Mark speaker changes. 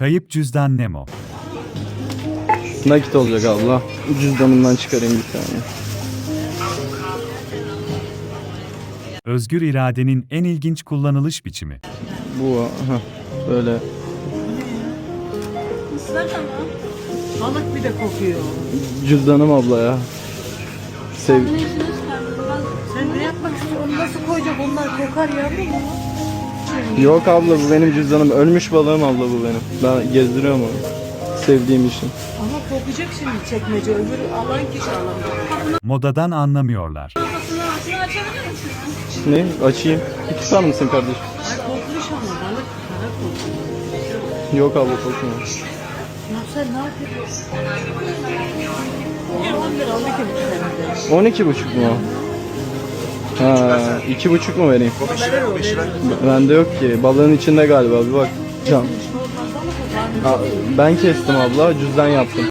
Speaker 1: Kayıp cüzdan Nemo.
Speaker 2: Nakit olacak abla. Cüzdanımdan çıkarayım bir tane.
Speaker 1: Özgür iradenin en ilginç kullanılış biçimi.
Speaker 2: Bu aha, böyle
Speaker 3: Islak ama. Balık bir de kokuyor.
Speaker 2: cüzdanım abla ya. Sev
Speaker 3: Sen ne yapmak istiyorsun? Onu nasıl koyacak? Onlar kokar yavrum mu?
Speaker 2: Yok abla, bu benim cüzdanım. Ölmüş balığım abla bu benim. Ben gezdiriyorum onu. Sevdiğim için.
Speaker 3: Ama kokacak şimdi çekmece. Öbürü alan kişi alamıyor.
Speaker 1: Modadan anlamıyorlar.
Speaker 2: Ne? Açayım. Bir tutar mısın kardeşim?
Speaker 3: Ay kokmuş ama balık kara kokuyor.
Speaker 2: Yok abla, kokmuyor.
Speaker 3: Ya sen ne yapıyorsun? 10 lira 12 mi sende?
Speaker 2: 12,5 mu? Ha, 2,5 mu vereyim? Bende yok ki. Balığın içinde galiba. Bir bak. Can.
Speaker 3: Normalde ama kokar.
Speaker 2: Ben kestim abla. Cüzdan yaptım.